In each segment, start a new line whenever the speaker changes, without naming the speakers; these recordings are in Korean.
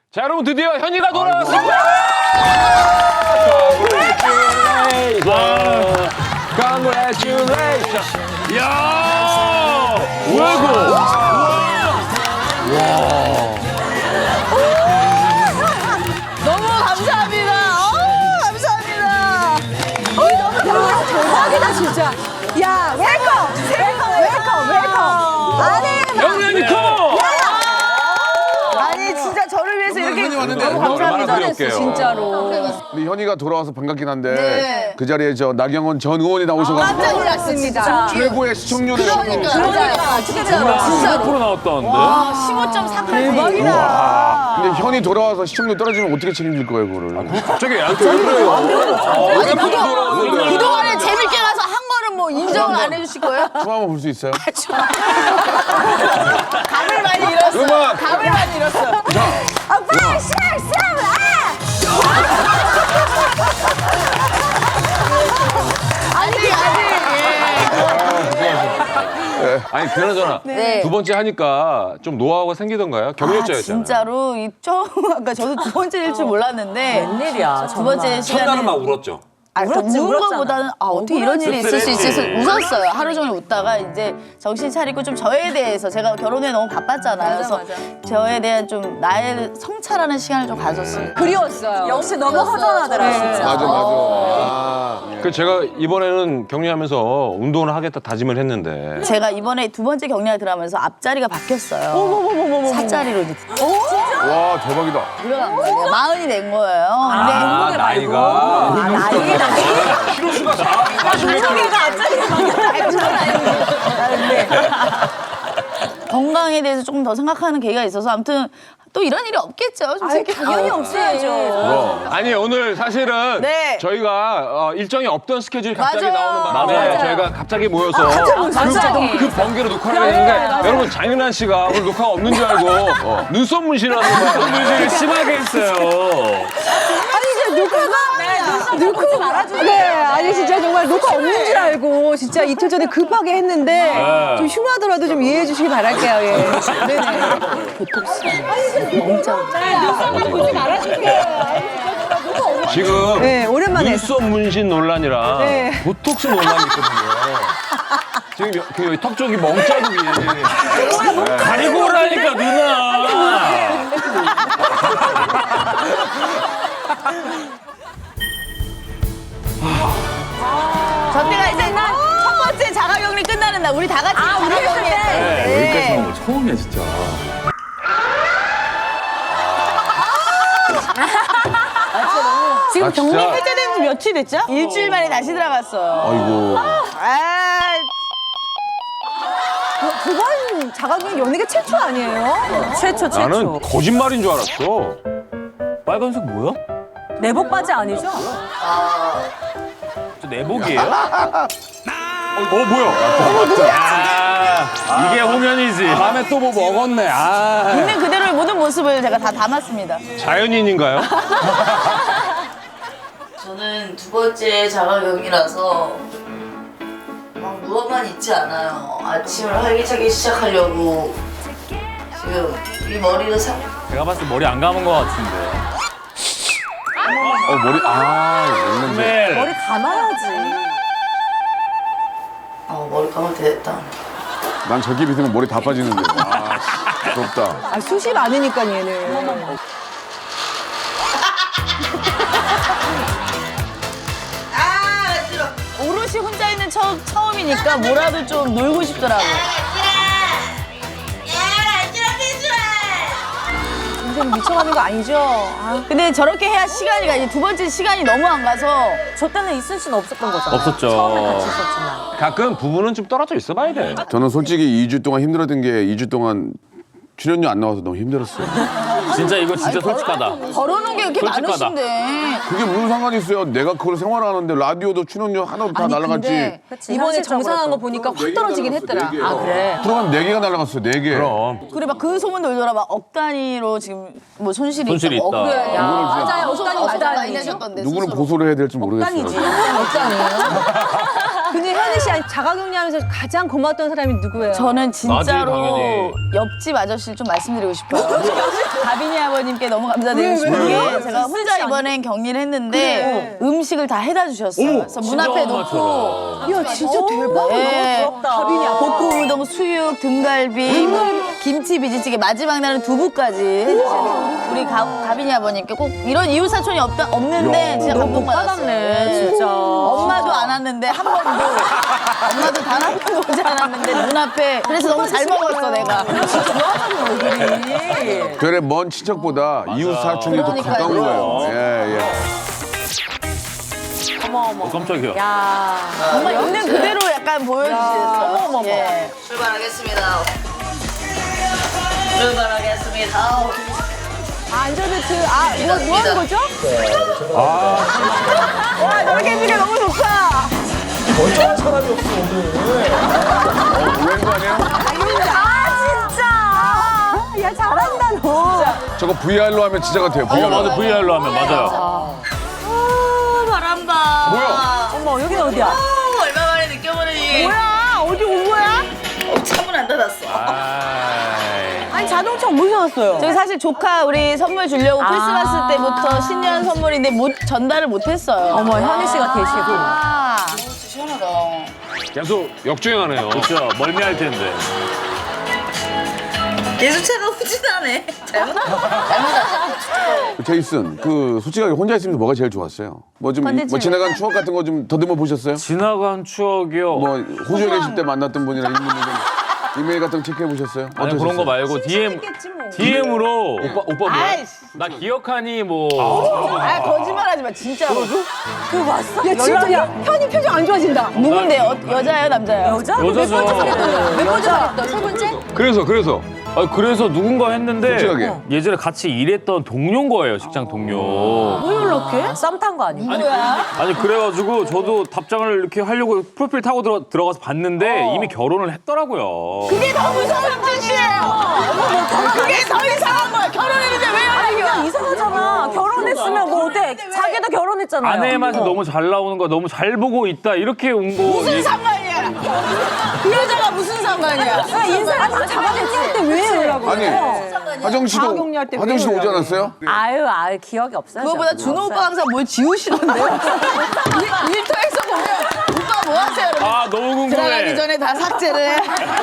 자, 여러분 드디어 현이가 돌아왔습니다. Congratulations.
야! 뭐야 이거?
너무 감사합니다. 감사합니다. 너무 대박이다 진짜. 야 웰컴. 아니
영현이 컴!
아니 진짜 저를 위해서 이렇게
왔는데
너무
얼마나
감사합니다.
드릴게요.
진짜로.
우리 현이가 돌아와서 반갑긴 한데
네.
그 자리에 저 나경원 전 의원이 나오셔가지고
깜짝 놀랐습니다.
최고의 시청률을
그러니까 진짜로.
10% 나왔다는데?
15.4까지. 대박이다.
근데 현이 돌아와서 시청률 떨어지면 어떻게 책임질 거예요 그거를?
갑자기 얘한테 왜 그래요?
그동안에 재밌게 가서 한 거는 뭐 인정을 안 해주실 거예요?
춤 한번 볼 수 있어요?
감을 많이 잃었어.
음악!
감을 많이 잃었어. 아빠 시작.
아니, 그나저나
네.
두 번째 하니까 좀 노하우가 생기던가요? 경력자였잖아요.
진짜로 이 처음 아까 저도 두 번째일 줄 몰랐는데
웬일이야,
두 번째 시간에
첫날은 막 울었죠.
울었지,
우는
울었잖아.
것보다는 어떻게 이런 일이 있을 수 있어서 웃었어요. 하루 종일 웃다가 이제 정신 차리고 좀 저에 대해서 제가 결혼에 너무 바빴잖아요. 그래서 저에 대한 좀 나의 성찰하는 시간을 좀 가졌어요.
그리웠어요. 역시 너무 허전하더라, 진짜.
맞아.
그 제가 이번에는 격리하면서 운동을 하겠다 다짐을 했는데
제가 이번에 두 번째 격리를 들어가면서 앞자리가 바뀌었어요. 사자리로 이제
와 대박이다.
들어간 거예요. 40이 된 거예요. 근데
아, 나이가
건강에 대해서 조금 더 생각하는 계기가 있어서 아무튼 또 이런 일이 없겠죠. 솔직히.
당연히 없어야죠.
아니 오늘 사실은
네.
저희가 일정이 없던 스케줄이 갑자기
맞아요.
나오는 바람에
맞아요.
저희가 갑자기 모여서
맞아요.
그 번개로 녹화를 했는데 여러분 장윤환 씨가 오늘 녹화가 없는 줄 알고 눈썹 문신하는 거야. 눈썹 문신을 심하게 했어요.
놓고 말아주세요. 네, 아니 진짜 정말 녹화 없는 줄 알고 진짜 이틀 전에 급하게 했는데 좀 흉하더라도 좀 이해해 주시기 바랄게요. 예. 네네.
지금
네, 오랜만에 했어요.
눈썹 문신 논란이랑
네.
보톡스 논란이 있거든요. 지금 그 턱 쪽이 멍자국이 가리고 오라니까 누나.
저 때가 이제 첫 번째 자가격리 끝나는 날 우리 다 같이 자가격리
여기까지 나온 거 처음이야 진짜.
지금
격리
해제된 지 며칠 됐죠? 일주일 만에 다시 들어갔어요.
아이고.
두 번 자가격리 연예계 최초 아니에요?
최초.
나는 거짓말인 줄 알았어.
빨간색 뭐야?
내복 바지 아니죠?
저 내복이에요?
뭐야?
이게 홍현이지.
다음에 또 뭐 먹었네. 아.
있는 그대로의 모든 모습을 제가 다 담았습니다.
자연인인가요?
저는 두 번째 자가격이라서 막 누워만 있지 않아요. 아침을 활기차게 시작하려고 지금 이 머리를
제가 봤을 때 머리 안 감은 것 같은데.
머리 있는데.
머리 감아야지.
머리 감을 때 됐다.
난 저기 비으면 머리 다 빠지는데. 아 부럽다.
아, 숱이 많으니까 얘는.
오롯이 혼자 있는 처음이니까 뭐라도 좀 놀고 싶더라고.
인생 미쳐가는 거 아니죠? 아,
근데 저렇게 해야 시간이 가지. 두 번째 시간이 너무 안 가서
저 때는 있을 수는 없었던 거잖아.
없었죠.
처음에 같이 있었지만.
가끔 부부는 좀 떨어져 있어봐야 돼.
저는 솔직히 2주 동안 힘들었던 게 2주 동안 출연료 안 나와서 너무 힘들었어요.
진짜 이거 진짜 솔직하다.
벌어놓은 게 이렇게
솔직하다.
많으신데.
그게 무슨 상관이 있어요? 내가 그걸 생활하는데 라디오도 출연료 하나도 다 날라갔지.
이번에 정상한 거 보니까 확 떨어지긴 했더라.
아
그래.
프로그램 4개가 날라갔어요. 4개.
그럼.
그래 막 그 소문 돌더라. 막 억 단위로 지금 뭐 손실이
손실이
있다고.
있다.
그래.
야,
누구를
맞아요.
어떤
억단이
많이
맞아요.
내셨던데.
누구를
스스로.
고소를 해야 될지 모르겠어요.
억단이지. 억단이에요. 근데 현희 씨 자가격리하면서 가장 고마웠던 사람이 누구예요?
저는
나지,
진짜로
당연히.
옆집 아저씨를 좀 말씀드리고 싶어요. 가빈이 아버님께 너무 감사드리고 싶은 게 제가 혼자 이번엔 격리를 했는데 음식을 다 해다 주셨어요. 그래서 문 앞에 놓고
야 진짜 대박.
예,
가빈이 아빠.
볶음 우동, 수육, 등갈비, 김치, 비지찌개, 마지막 날은 두부까지 해주시는 우리 가빈이 아버님께 꼭 이런 이웃 사촌이 없는데 진짜 감동받았어요.
진짜.
엄마도 안 왔는데 한 번도 엄마도 단 한 번도 오지 않았는데 눈앞에 그래서 너무 잘 먹었어 내가.
별의 먼 친척보다 이웃 사촌이 더
그러니까요.
가까운 거예요. 예, 예.
깜짝이야.
정말 있는 그대로 약간 보여주셨어요. 예.
출발하겠습니다. 출발하겠습니다.
안전벨트 뭐 하는 거죠?
아,
와 저렇게 해주니까 너무 좋다.
오해한 거 아니에요?
야 잘한다 너.
저거 VR로 하면 진짜 같아요. VR로.
맞아, VR로 하면 맞아요.
바람바.
뭐야?
어머 여긴 어디야?
얼마 만에 느껴보는 이.
뭐야 어디 온 거야?
차문 안 닫았어.
아니 자동차 어디서 왔어요?
저희 사실 조카 우리 선물 주려고 크리스마스 때부터 신년 선물인데 전달을 못했어요.
어머 현희 씨가 계시고.
시원하다.
계속 역주행하네요.
그렇죠. 멀미할 텐데.
계속 차가 후진하네. 잘못
제이슨, 그 솔직하게 혼자 있으면서 뭐가 제일 좋았어요? 뭐 좀
컨텐츠
지나간 추억 같은 거 좀 더듬어 보셨어요?
지나간 추억이요.
뭐 호주에 계실 때 만났던 분이나 이런 분들 좀 이메일 같은 거 체크해 보셨어요?
아니 그런 거 말고 DM으로
오빠 뭐?
나 기억하니 뭐
아 거짓말하지 마 진짜로.
그 왔어? 야 진짜 야 현이 표정 안 좋아진다.
누군데 여자예요 남자예요?
여자?
여자죠.
몇 번째 말했어? 세 번째?
그래서
그래서 누군가 했는데
솔직하게.
예전에 같이 일했던 동료인 거예요, 직장 동료.
왜 연락해? 썸 탄 거 아니야?
아니 그래가지고 저도 답장을 이렇게 하려고 프로필 타고 들어가서 봤는데 이미 결혼을 했더라고요.
그게 더 무서운 짓이에요. 그게 더 이상한 거야. 결혼했는데 왜 연락이 와?
이상하잖아. 결혼했으면 뭐 어때? 자기도 결혼했잖아요.
아내의 맛이 너무 잘 나오는 거야, 너무 잘 보고 있다 이렇게 온 거.
무슨 상관이야? 그 여자가 무슨 상관이야?
인사를 다 잡아냈을 때 왜 연락을
아니,
해요?
하정 씨도
자가격리할 때왜
오지 않았어요?
아유 기억이 없어요.
그거보다
저는.
준호
없어요.
오빠 항상 뭘 지우시던데요? 일터에서 보면 오빠 뭐 하세요? 여러분?
아 너무
들어가기
궁금해.
전에 다 삭제를 해.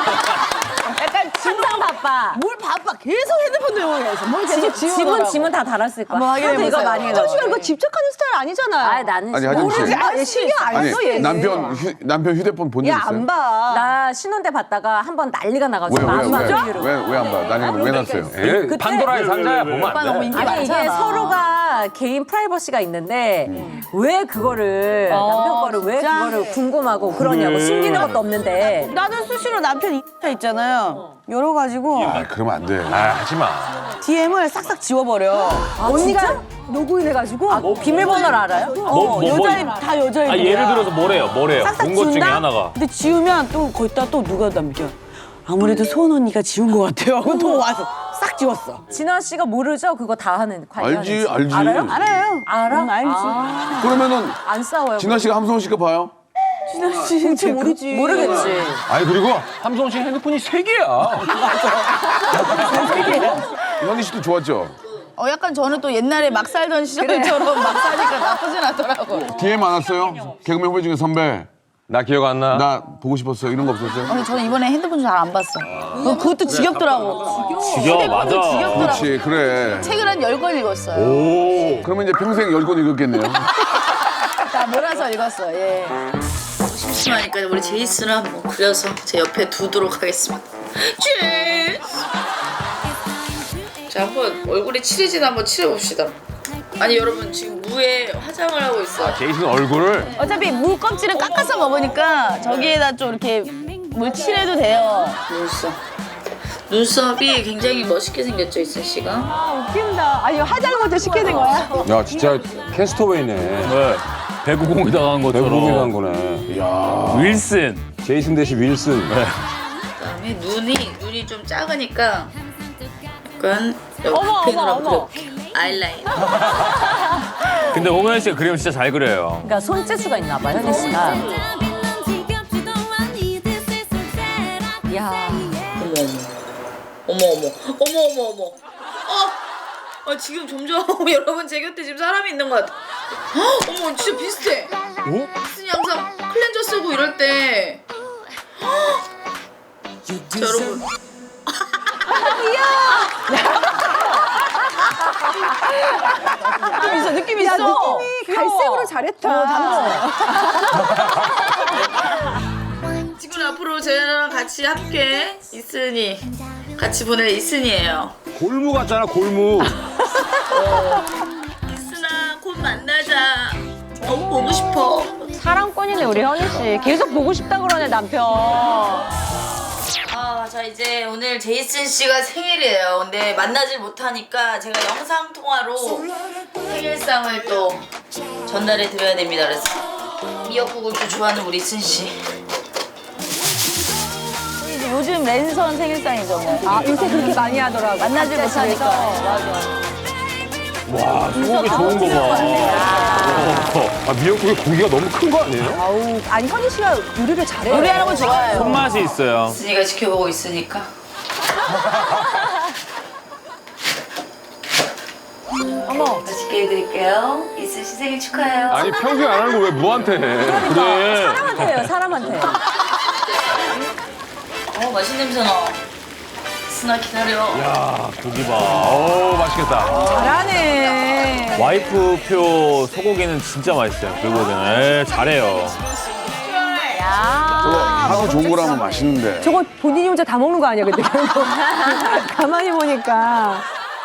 약간
항상 바빠.
뭘 바빠. 계속 핸드폰 들고 계셔. 뭘 계속
짐은 다 달았을 거야.
한번 확인해
하도 이거
보세요.
많이 해요.
하정 씨가 이거 집착하는 스타일 아니잖아요.
아 나는
아니, 하정 씨.
아니 신경 안
아니,
써 얘.
남편 휴대폰 본 적 있어요?
야안 봐.
나 신혼 때 봤다가 한 번 난리가 나가지고 안
왜
맞아?
안 봐? 나는 왜 났어요?
예, 판도라의 상자야 보면
오빠
안
너무
돼.
인기
아니 이게
많잖아.
서로가 개인 프라이버시가 있는데 왜 그거를 남편 거를 왜
진짜?
그거를 궁금하고 그러냐고 숨기는 것도 없는데
나는 수시로 남편 인스타 있잖아요. 열어가지고
아, 그러면 안 돼.
아, 하지 마.
DM을 싹싹 지워버려.
언니가 로그인 해가지고
비밀번호를 알아요?
다 여자애.
아 예를 들어서 뭐래요? 본 것 중에 하나가.
근데 지우면 또 거기다 또 누가 남겨. 아무래도 소은 언니가 지운 것 같아요. 하고 또 와서 싹 지웠어.
진아 씨가 모르죠? 그거 다 하는 관리하는지.
알지.
알아요?
알아요.
알아?
알지.
아,
그러면은
안 싸워요.
진아 씨가 함성호 씨가 봐요?
진짜 모르지.
모르겠지.
아니 그리고 함성 씨 핸드폰이 3개야.
현희 씨도 좋았죠?
약간 저는 또 옛날에 막 살던 시절처럼 막 사니까 나쁘진 않더라고.
DM 안 왔어요? 개그맨 후배 중에 선배
나 기억 안 나.
나 보고 싶었어요. 이런 거 없었어요?
아니 저는 이번에 핸드폰 잘 안 봤어. 그것도 지겹더라고.
지겨 맞아.
지겹더라고.
그렇지, 그래.
책을 한 10권 읽었어요.
오.
그러면 이제 평생 10권 읽었겠네요.
다 몰아서 읽었어. 예.
심심하니까 우리 제이슨을 한번 그려서 제 옆에 두도록 하겠습니다. 제이슨. 자, 한번 얼굴에 칠해진 한번 칠해봅시다. 아니 여러분 지금 무에 화장을 하고 있어요.
제이슨 얼굴을
어차피 무 껍질은 깎아서 먹으니까 저기에다 좀 이렇게 물 칠해도 돼요. 눈썹이 굉장히 멋있게 생겼죠, 이슬 씨가.
아 웃긴다. 아니 화장을 먼저 시켜야 된 거야?
야 진짜 캐스터웨이네.
네. 배구공이 당한 것처럼.
대부분이 한 거네. 야
윌슨.
제이슨 대신 윌슨.
그다음에 눈이 좀 작으니까 약간 여기 펜으로 한번 그려볼게요. 아이라인.
근데 홍현 씨가 그림을 진짜 잘 그려요.
그러니까 손재주가 있나 봐, 현희 씨가.
어머. 지금 점점 여러분 제 곁에 지금 사람이 있는 것 같아. 어머, 진짜 비슷해. 이순이 항상 클렌저 쓰고 이럴 때. 자, 여러분.
느낌 있어.
느낌이 갈색으로 잘했다.
지금 앞으로 저랑 같이 함께 이순이 같이 보낼 이순이에요.
골무 같잖아, 골무.
이순아, 곧 만나자. 너무 보고 싶어.
사랑꾼이네 우리 현희 씨. 계속 보고 싶다 그러네 남편.
자 이제 오늘 제이슨 씨가 생일이에요. 근데 만나질 못하니까 제가 영상 통화로 생일상을 또 전달해 드려야 됩니다. 그래서 미역국을 또 좋아하는 우리 이순 씨.
요즘 랜선 생일상이죠 뭐.
아 요새 그렇게 많이 하더라고.
만나지 못하니까. 맞아.
와, 소고기 좋은 거 봐.
미역국에 고기가 너무 큰 거 아니에요?
아우 아니 현희 씨가 요리를 잘해요.
요리하는 거 좋아해요.
손맛이 있어요.
이순이가 지켜보고 있으니까. 어머, 맛있게 해드릴게요. 이순 씨 생일 축하해요.
아니, 평소에 안 하는 거 왜 무한테 해?
그래.
사람한테 해요 사람한테.
맛있는 냄새 나. 이순아 기다려.
야, 고기 봐.
오, 맛있겠다.
잘하네.
와이프표 소고기는 진짜 맛있어요. 불고기는. 잘해요.
저거 하루 좋은 거라면 맛있는데.
저거 본인이 혼자 다 먹는 거 아니야 근데 결국. 가만히 보니까.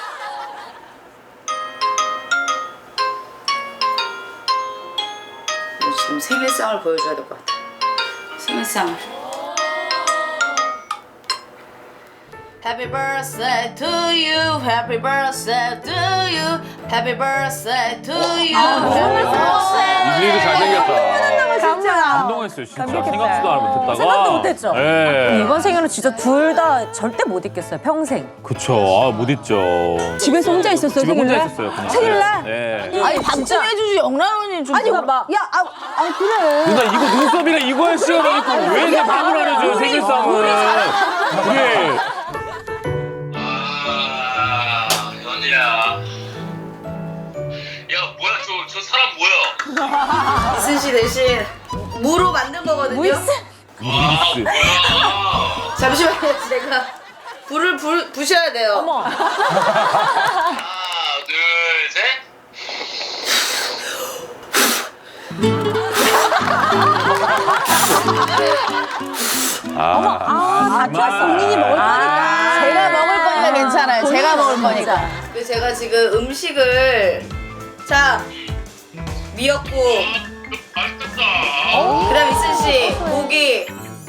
지금 생일상을 보여줘야 될 것 같아. 생일상을. Happy birthday to you, happy birthday to you, happy birthday to you.
이준이도 잘생겼다.
진짜.
감동했어요, 진짜. 생각지도 못했다가.
생각도 못했죠?
예.
이번 생일은 진짜 둘 다 절대 못 잊겠어요. 평생.
그쵸. 아, 못 잊죠.
집에서 혼자 있었어요
집에 혼자
생일날?
있었어요, 그냥.
생일날?
네.
아니 밥 좀 해주지 영란 언니 좀.
아니 막 야, 그래.
누나, 이거 눈썹이가 이거야, 씌워놓고 왜 이렇게 밥을 안 해줘요, 생일상을. 그래.
현이야. 야, 뭐야, 저 사람 뭐야?
이순 씨 대신 무로 만든 거거든요.
무이스.
잠시만요, 제가 불을 부셔야 돼요. 어머.
하나, 둘, 셋.
다 좋았어. 본인이 먹을 거니까.
제가 먹을 거니까 괜찮아요. 제가 먹을 거니까.
그리고 제가 지금 음식을 미역국.
맛있겠다.
그다음 이순 씨 고기.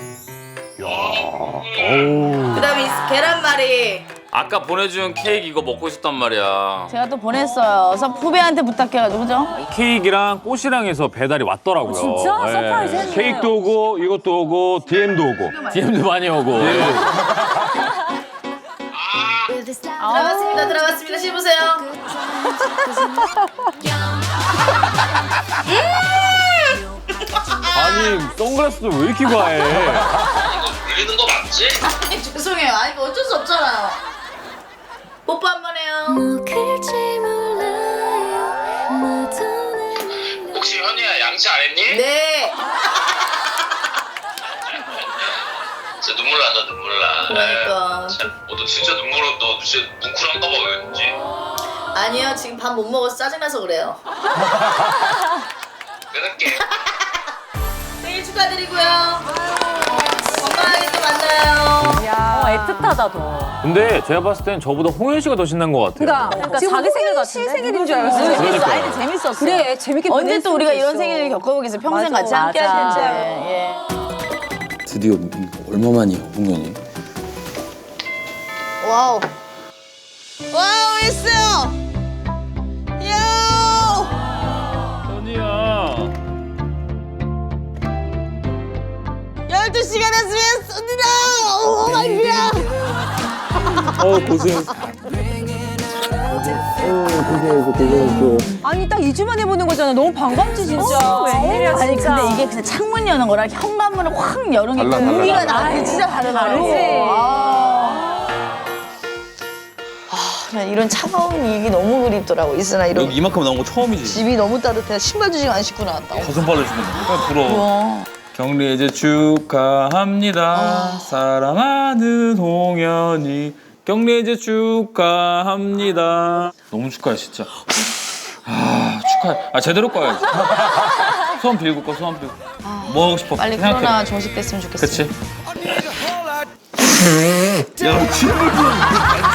그다음에 계란말이.
아까 보내준 케이크 이거 먹고 싶단 말이야.
제가 또 보냈어요. 그래서 후배한테 부탁해가지고 그죠?
케이크랑 꽃이랑 해서 배달이 왔더라고요.
진짜? 서프라이즈 했네.
케이크도 오고, 이것도 오고, DM도 오고.
DM도 많이 오고.
들어갔습니다. 씹으세요.
아니, 선글라스도 왜 이렇게 과해?
이거 불리는 거 맞지?
아니, 죄송해요. 아니 이거 어쩔 수 없잖아요. 뽀뽀 한 번 해요.
혹시 현이야 양치 안 했니?
네.
진짜 눈물 난다, 눈물 나.
그러니까.
너 진짜 눈물로 너 진짜 뭉클한가 봐, 왠지.
아니요, 지금 밥 못 먹어서 짜증나서 그래요.
끊을게.
생일 축하드리고요. 건강하게 또 만나요.
애틋하다 더.
근데 제가 봤을 땐 저보다 홍현 씨가 더 신난 것 같아요.
그러니까
지금
자기 생일
홍현 씨
같은데?
생일인 줄 알았어요.
그러니까요.
아니 재밌었어.
그래 재밌게
언제
보냈으면
또 우리가 이런
좋겠어.
생일을 겪어보겠어요. 평생
맞아,
같이 함께 할
맞아.
텐데. 예.
드디어 얼마만이야, 홍현이?
와우. 와우 있어요. 요.
현이야.
12시가 됐으면 쏩니다. 오 마이 갓.
고생.
아니 딱 2주 만에 보는 거잖아. 너무 반갑지 진짜.
웬일이야,
아니
진짜.
근데 이게 그냥 창문 여는 거랑 현관문을 확 여는 게 의미가 나는 진짜 다르더라고. 그냥 이런 차가운 일이 너무 그립더라고. 있으나 이런
여기 이만큼 나온 거 처음이지.
집이 너무 따뜻해. 신발 주식 안 신고 나왔다.
가슴발을 주는 거. 부러워. 경리 이제 축하합니다. 사랑하는 홍현이. 경리 이제 축하합니다. 너무 축하해 진짜. 아 축하해. 아 제대로 꺼야지. 소원 빌고 꺼 소원 빌고. 뭐 하고 싶어?
빨리
생각해.
코로나 종식됐으면 좋겠어.
그치? 야, 친구 좀.